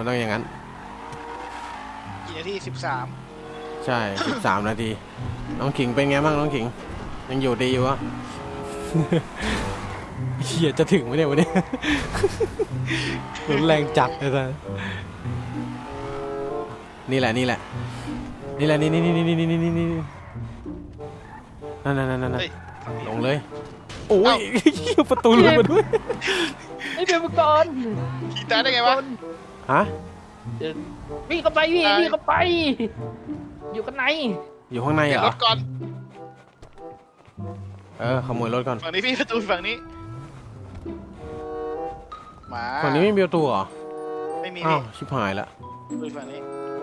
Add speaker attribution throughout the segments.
Speaker 1: ต้องอย่างนั้น
Speaker 2: กี่นาที13
Speaker 1: ใช่13 นาทีน้องขิงเป็นไงบ้างน้องขิงยังอยู่ดีอยู่วะเฮียจะถึงไหมเนี่ยวันนี้รุนแรงจัดเลยท่านนี่แหละนี่แหละนี่แหละนี่นั่นลงเลยโอ้ยประตูหลุดมาด้วย
Speaker 3: ไอ้เป็นมังกร
Speaker 2: ขี่ตายได้ไงวะ
Speaker 1: ฮะ
Speaker 3: วิ่งเข้าไปวิ่งเข้าไปอยู่ข้างใน
Speaker 1: อยู่ข้างในเหรอ
Speaker 2: รถก่อน
Speaker 1: ขโมยรถก่อน
Speaker 2: ฝั่งนี้พี่ประตูฝั่งนี้มา
Speaker 1: ฝั่งนี้ไม่มีประตูเหรอ
Speaker 2: ไม่มี
Speaker 1: อ้าวชิบหายละ
Speaker 2: ประตูฝั่งนี้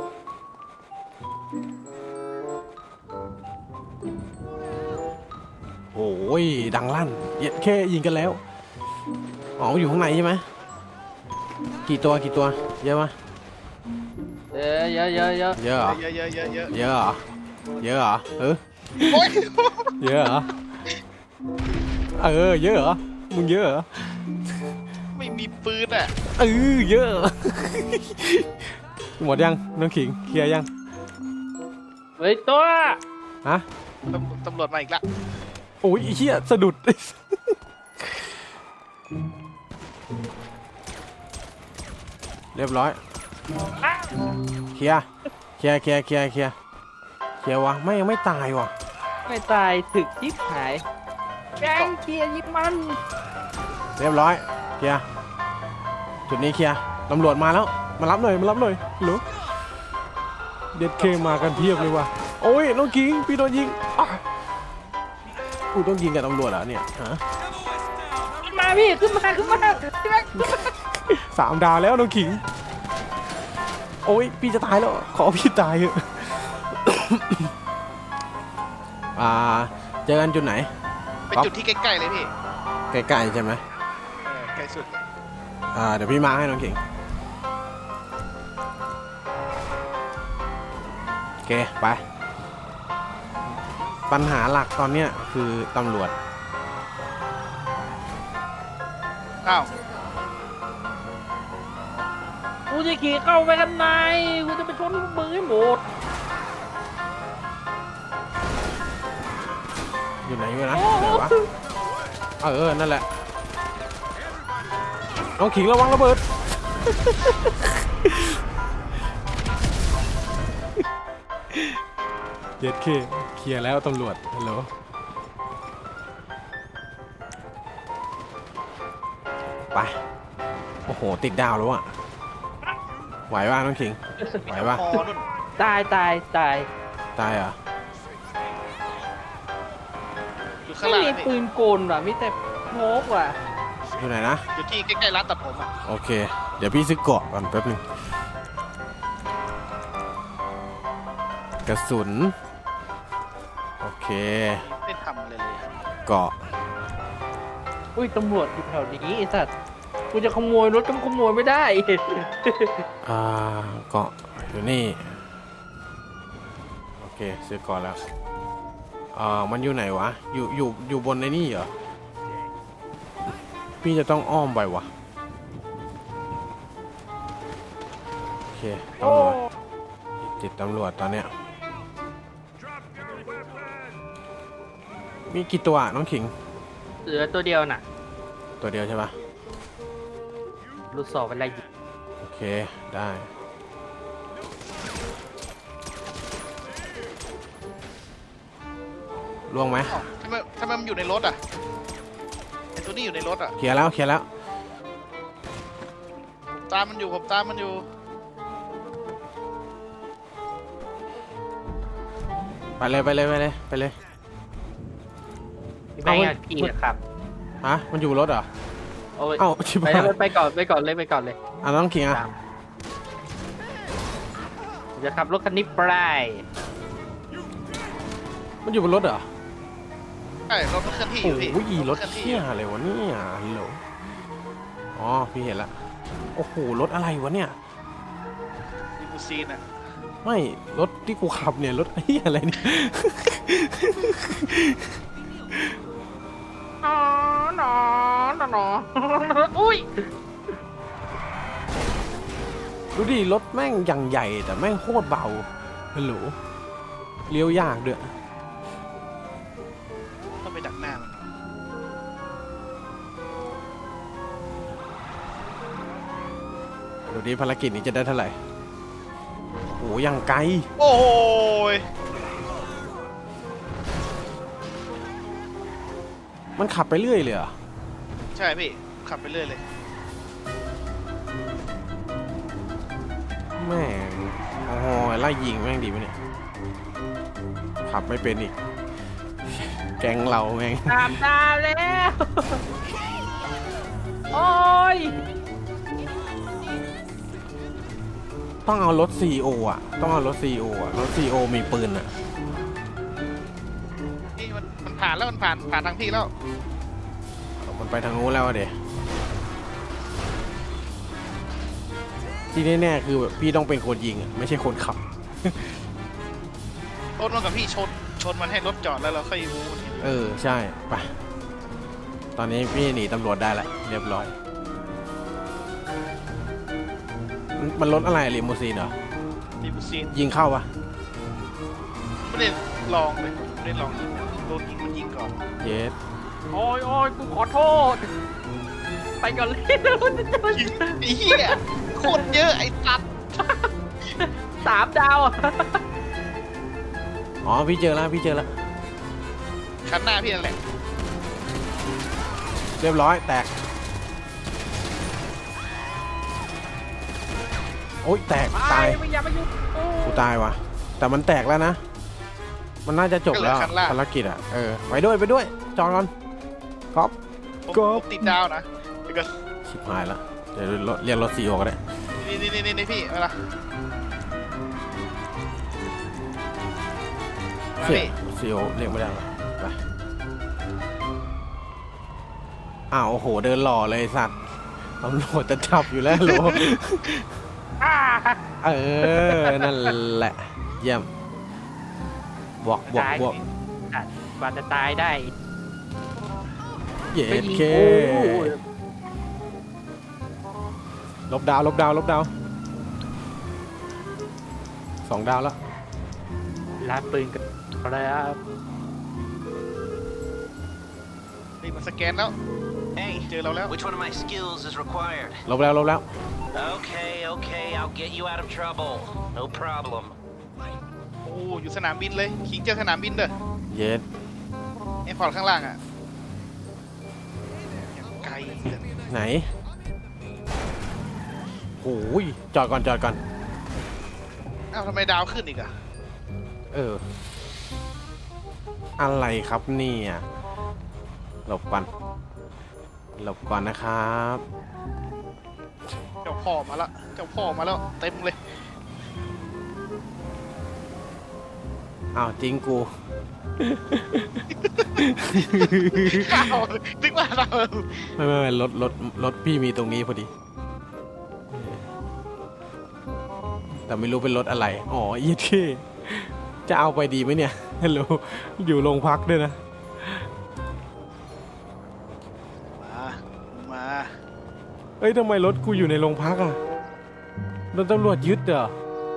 Speaker 1: โอ้ยดังลั่นแค่ยิงกันแล้วอ๋ออยู่ข้างในใช่ไหมกี่ตัวเยอะไหม
Speaker 3: เยอะ
Speaker 1: เยอะเหรอ
Speaker 2: เยอะ
Speaker 1: เหรอ
Speaker 2: โอ้ย
Speaker 1: เยอะเหรอเยอะเหรอมึงเยอะเหรอ
Speaker 2: ไม่มีปืนอ่ะ
Speaker 1: เยอะหมดยังน้องขิงเคลียร์ยัง
Speaker 3: เฮ้ยตัว
Speaker 1: ฮะ
Speaker 2: ตำรวจมาอีกแล้ว
Speaker 1: โอ้ยเหี้ยสะดุดเรียบร้อยเคลียร์วะไม่ยังไม่ตายวะ
Speaker 3: ไม่ตายถึกยิบหายแกงเคลียร์ยิบมัน
Speaker 1: เรียบร้อยเคลียร์จุดนี้เคลียร์ตำรวจมาแล้วมารับหน่อยหรือเด็ดเคมากันเพียบเลยว่ะโอ้ยน้องกิ้งพี่โดนยิงกูต้องยิงกับตำรวจเหรอเนี่ยฮะ
Speaker 3: มาพี่ขึ้นมา
Speaker 1: 3 ดาวแล้วน้องขิงโอ้ยพี่จะตายแล้วขอพี่ตายเถอะเจอกันจุดไหน
Speaker 2: เป็นจุดที่ใกล้ๆเลยพี่
Speaker 1: ใกล้ๆใช่ไหม
Speaker 2: ใกล้สุด
Speaker 1: เดี๋ยวพี่มาให้น้องขิงโอเคไปปัญหาหลักตอนเนี้ยคือตำรวจ
Speaker 2: อ้าว
Speaker 3: กูจะขี่เข้าไปกันในกูจะไปชนมึงให้หมด
Speaker 1: อยู่ไหนวะนั่นแหละน้องขิงระวังระเบิดเย็ดเคลียร์แล้วตำรวจฮัลโหลไปโอ้โหติดดาวแล้วอะไหวป่ะน้องขิงไหวป่ะ
Speaker 3: ตาย
Speaker 1: เหรอ
Speaker 3: ไม่มีปืนโกนว่ะมีแต่โมกว่ะ
Speaker 1: อยู่ไหนนะ
Speaker 2: อยู่ที่ใกล้ๆร้านตัดผมอ่ะ
Speaker 1: โอเคเดี๋ยวพี่ซื้อเกาะก่อนแป๊บนึงกระสุนโอเค
Speaker 2: ไม่ทำเลย
Speaker 1: เกาะ
Speaker 3: อุ้ยตำรวจอยู่แถวนี้ไอ้สัตว์กูจะขโมยรถก็ขโมยไม่ได้
Speaker 1: เกาะอยู่นี่โอเคซื้อเกาะแล้วมันอยู่ไหนวะอยู่บนในนี่เหรอพี่จะต้องอ้อมไปวะโอเคตำรวจติดตำรวจตอนเนี้ยมีกี่ตัวน้องขิง
Speaker 3: เหลือตัวเดียวน่ะ
Speaker 1: ตัวเดียวใช่ปะ
Speaker 3: ลูกศรเป็นไรยิง
Speaker 1: โอเคได้ล่วงไหม
Speaker 2: ทำไมมันอยู่ในรถอ่ะไอ้ตัวนี้อยู่ในรถอ่ะ
Speaker 1: เคลียร์แล้ว
Speaker 2: ตามมันอยู่ผมตามมันอยู่
Speaker 1: ไปเลย
Speaker 3: ไม่อยากขี่ครับ
Speaker 1: ฮะมันอยู่รถเหรอ
Speaker 3: เอ้าไปก่อนเลย
Speaker 1: น้องขิงอ่ะ
Speaker 3: จะขับรถคันนี้ไป
Speaker 1: มันอยู่บนรถเหรอ
Speaker 2: ใช่รถเคลื่อนที่อยู่พี่
Speaker 1: โอ้ยรถเที่ยอะไรวะเนี่ยฮัลโหลอ๋อพี่เห็นละโอ้โหรถอะไรวะเนี่ย
Speaker 2: ลิมูซีนอ่ะ
Speaker 1: ไม่รถที่กูขับเนี่ยรถอะไรเนี่ย
Speaker 3: อุ้ย
Speaker 1: ดูดิรถแม่งอย่างใหญ่แต่แม่งโคตรเบาฮัลโหลเลี้ยวยากด้วย
Speaker 2: ต้องไปดักหน้ามัน
Speaker 1: ดูดิภารกิจนี้จะได้เท่าไหร่โอ้ยังไกล
Speaker 2: โอ้ย
Speaker 1: มันขับไปเรื่อยเลยเหรอ
Speaker 2: ใช่พี่ขับไปเรื่อยเลย
Speaker 1: แม่งโอ้โหไล่ยิงแม่งดีไหมเนี่ยขับไม่เป็นอีกแก๊งเราแม่ง
Speaker 3: ตามดาวแล้วโอ้ย
Speaker 1: ต้องเอารถ CEO อ่ะต้องเอารถ CEO อ่ะรถ CEO มีปืนอ่ะ
Speaker 2: นี่มันผ่านแล้วมันผ่านทางพี่แล้ว
Speaker 1: มันไปทางนู้นแล้วอะเดที่แน่ๆคือแบบพี่ต้องเป็นคนยิงอ่ะไม่ใช่คนขับ
Speaker 2: รถมันกับพี่ชนมันให้รถจอดแล้วเราค่อยวูน
Speaker 1: ใช่ไปตอนนี้พี่หนีตำรวจได้แล้วเรียบร้อยมันรถอะไรลิมูซีนเหรอ
Speaker 2: ดีบุซีน
Speaker 1: ยิงเข้าปะ
Speaker 2: ไม่ได้ลองเลยไม่ได้ลองโดนยิงมันยิงก่อน
Speaker 1: เยส
Speaker 3: โอ้ยกูขอโทษ ไปก่อนเลย
Speaker 2: ยิงไอ้เหี้ยโคตรเยอะไอ้ตัด
Speaker 3: 3 ดาวอ่ะ
Speaker 1: อ๋อพี่เจอแล้วพี่เจอแล้ว
Speaker 2: คันหน้าพี่นั่นแหละ
Speaker 1: เรียบร้อยแตกโอ๊ยแตกตาย
Speaker 3: ไม่อย่ามายุ่งโอ้
Speaker 1: กูตายว่ะแต่มันแตกแล้วนะมันน่าจะจบแล้วภารกิจอ่ะไปด้วยจองก่อนก๊อฟ
Speaker 2: ผมติดดาวนะเดี๋ยวก็
Speaker 1: ชิบหายแล้วเดี๋ยวเรียกรถ CEO ก็ได้
Speaker 2: นี่พี่มาละมา
Speaker 1: เสีย
Speaker 2: พี่
Speaker 1: CEO เรียกไม่ได้หรอไปอ้าวโอ้โหเดินหล่อเลยไอ้สัตว์ตำรวจจะจับอยู่แล้วโหล นั่นแหละเยี่ยมบวก
Speaker 3: ตายกว่าจะตายได้
Speaker 1: เย็
Speaker 3: ไป
Speaker 1: ด
Speaker 3: ยิง
Speaker 1: เค
Speaker 3: กู
Speaker 1: ลบดาว2 ดาวแล้ว
Speaker 3: รับปืนกันแล้ว
Speaker 2: นี่มันสแกนแล้ว
Speaker 4: Hey,
Speaker 2: เจอเราแล้ว
Speaker 4: which one of my skills is required?
Speaker 1: ลบแล้ว
Speaker 4: Okay, I'll get you out of trouble. No problem.
Speaker 2: โอ้อยู่สนามบินเลยขิงเจอสนามบินเด้อ
Speaker 1: เย็ด
Speaker 2: ไอ้พอร์ตข้างล่างอ่ะอย่างไกลเลย
Speaker 1: ไหนโอ้ยจอดก่อน
Speaker 2: อ้าวทำไมดาวขึ้นอีกอ่ะ
Speaker 1: อะไรครับเนี่ยหลบก่อนนะครับ
Speaker 2: เจ้าพ่อมาแล้วเต็มเลย
Speaker 1: อ้าวจริงกู
Speaker 2: อ้าวนึกว่าเรา
Speaker 1: ไม่รถพี่มีตรงนี้พอดี แต่ไม่รู้เป็นรถอะไรอ๋อยี่ที่จะเอาไปดีไหมเนี่ยฮัลโหลอยู่โรงพักด้วยนะ
Speaker 2: มา
Speaker 1: เอ้ยทำไมรถกูอยู่ในโรงพักอ่ะโดนตำรวจยึดเหรอ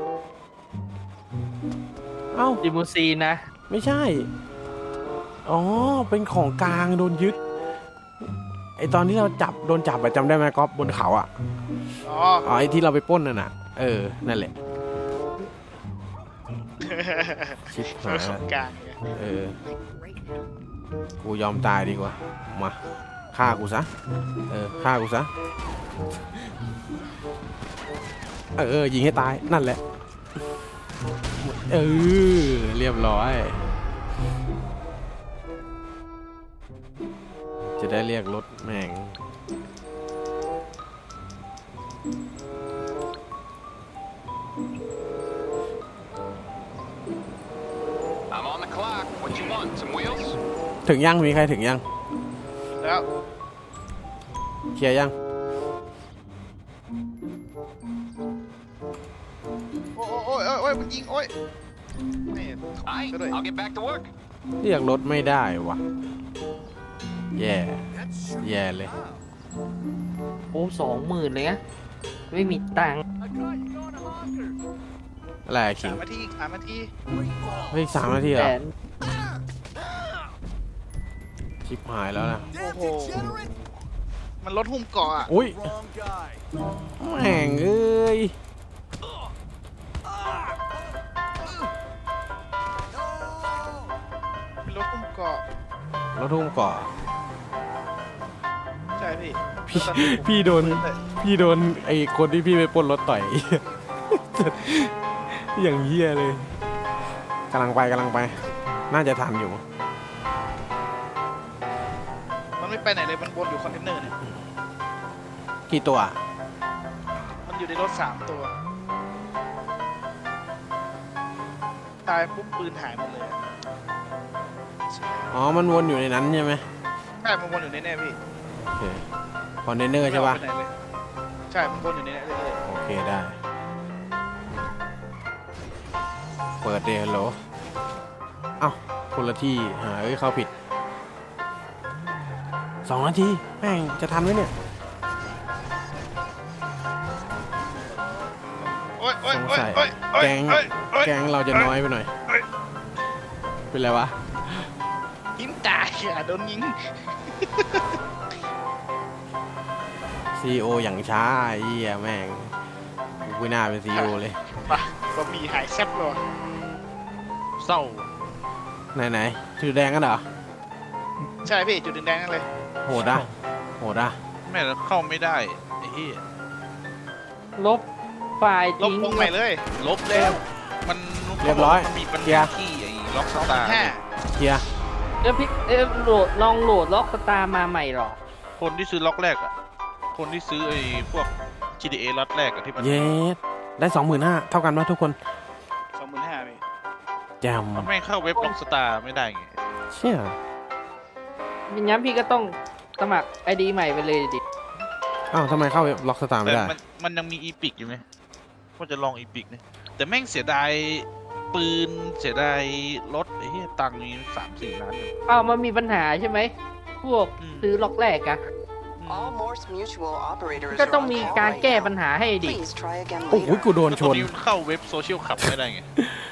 Speaker 1: เอ้า
Speaker 3: ลิมูซีนนะ
Speaker 1: ไม่ใช่ อ๋อ เป็นของกลางโดนยึด ไอตอนที่เราโดนจับอะจำได้ไหมก๊อฟบนเขาอะ
Speaker 2: อ๋อ
Speaker 1: อ๋อ ไอที่เราไปปล้นน่ะนะนั่นแหละ ชิบหาย
Speaker 2: ขอ
Speaker 1: ละ
Speaker 2: งกลางเนี่ย
Speaker 1: กูยอมตายดีกว่า มาฆ่ากูซะ ฆ่ากูซะ ยิงให้ตาย นั่นแหละ เรียบร้อย จะได้เรียกรถแม่ง
Speaker 4: I'm on the clock. What you want? Some wheels?
Speaker 1: ถึงยังมีใครถึงยัง
Speaker 2: แล้ว
Speaker 1: เคลียร์ยัง
Speaker 2: โอ้ยมันยิงโอ้ยนี่
Speaker 4: Aye,
Speaker 2: ก็ด้วย
Speaker 4: I'll get back to work.
Speaker 1: เรียกรถไม่ได้วะแย่เลย
Speaker 3: โอ้20,000เลยนะไม่มีตังค์
Speaker 4: I
Speaker 1: อะไรอะคิ
Speaker 2: สาง มนาทีอีก3 นาที
Speaker 1: เฮ้ย3 นาทีเหร
Speaker 3: แส
Speaker 1: อน ชิบหายแล้วนะ
Speaker 2: โอ้โหมันลดหุ้มเกาะอ่ะ
Speaker 1: อุ้ยแม่งเอ้ย
Speaker 2: เป็นลดหุ้มเกาะ
Speaker 1: รถทุ่มก่อ
Speaker 2: ใช่พี่
Speaker 1: พี่โดน พี่โดนไอ้คนที่พี่ไปปล้นรถต่อย อย่างเหี้ยเลยกำลังไป น่าจะทันอยู่
Speaker 2: มันไม่ไปไหนเลยมันวนอยู่คอนเทนเนอร์เนี่ย
Speaker 1: กี่ตัว
Speaker 2: มันอยู่ในรถ3 ตัวตายปุ๊บปืนหายหมดเลยอะ
Speaker 1: อ๋อ มันวนอยู่ในนั้นใช่ไหม
Speaker 2: ใช่มันวนอยู่ในแน่พี่
Speaker 1: โอเคคอนเทนเนอร์ใช่ปะ
Speaker 2: ไม่ออกไปไหนเลยใช่มันวนอยู่ในแน่เลย
Speaker 1: โอเคได้ เปิดเดฮัลโหลเอ้าคนละที่หาเข้าผิด2 นาทีแม่งจะทันไหมเนี่ย
Speaker 2: โอ๊ยโอ๊ย
Speaker 1: สง
Speaker 2: โอ๊ย
Speaker 1: สัย
Speaker 2: โอ๊ยโอ๊ย
Speaker 1: แก๊ง
Speaker 2: โอ๊ยโอ๊ย
Speaker 1: แก๊งเราจะน้อยไปหน่อย เป็นไรวะ
Speaker 2: ยิงตายอ่ะโดนยิง
Speaker 1: CEO อย่างช้าไอ้เหี้ยแม่งกูไม่น่าเป็น CEO เลย
Speaker 2: ป่ะบะหมี่หายแซ่บเลย
Speaker 3: เศร้า
Speaker 1: ไหนชื่อแดงกันเหรอ
Speaker 2: ใช่พี่จุดแดงๆนั่นเลย
Speaker 1: โหดอ่ะโหดอ่ะ
Speaker 5: แม่งเข้าไม่ได้ไอ้เหี้ย
Speaker 3: ลบไฟล์
Speaker 2: ลบ
Speaker 3: ทิ้ง
Speaker 2: วงใหม่เลย
Speaker 5: ลบแล้วมัน
Speaker 1: เรียบร้อย
Speaker 5: มันมีปัญ
Speaker 1: เคลีย
Speaker 5: หา
Speaker 1: ร์
Speaker 5: ที่ไอ้ล็อกสตาร์
Speaker 2: 5
Speaker 1: เคลียร์
Speaker 3: แล้วพี่ลองโหลดล็อกสตาร์มาใหม่หรอ
Speaker 5: คนที่ซื้อล็อกแรกอ่ะคนที่ซื้อไอ้พวก GTA ล็อตแรกอะที่มัน
Speaker 1: เยสได้ 25,000เท่ากันปะทุกคน
Speaker 2: 25,000พี่
Speaker 1: แจม
Speaker 5: มันไม่เข้าเว็บล็อกสตาร์ไม่ได้ไง
Speaker 1: เชี่ย
Speaker 3: งั้นพี่ก็ต้องสมัครไอดีใหม่ไปเลยดิ
Speaker 1: อ้าวทำไมเข้าล็อกสตาร์ไม่
Speaker 5: แต่
Speaker 1: ได้
Speaker 5: มันยังมีอีพิกอยู่ไหมว่าจะลองอีพิกนะแต่แม่งเสียดายปืนเสียดายรถไอ้เหี้ยตังค์มี3-4 ล้านอยู่
Speaker 3: อ้าวมันมีปัญหาใช่ไหม พวก
Speaker 5: อืม
Speaker 3: ซื้อล็อกแรกอะ
Speaker 6: All Morse Mutual operators
Speaker 3: ก็
Speaker 6: are
Speaker 3: ต้อง
Speaker 6: on
Speaker 3: มี
Speaker 6: call
Speaker 3: การ
Speaker 6: right
Speaker 3: แก้
Speaker 6: now.
Speaker 3: ปัญหาให้ดิ
Speaker 6: Please try again
Speaker 1: โอ้โห
Speaker 6: later.
Speaker 1: กูโดน
Speaker 5: แล้ว
Speaker 1: ช
Speaker 5: ตัวน นี้มันเข้าเว็บโซเชียลขับไม่ได้ไง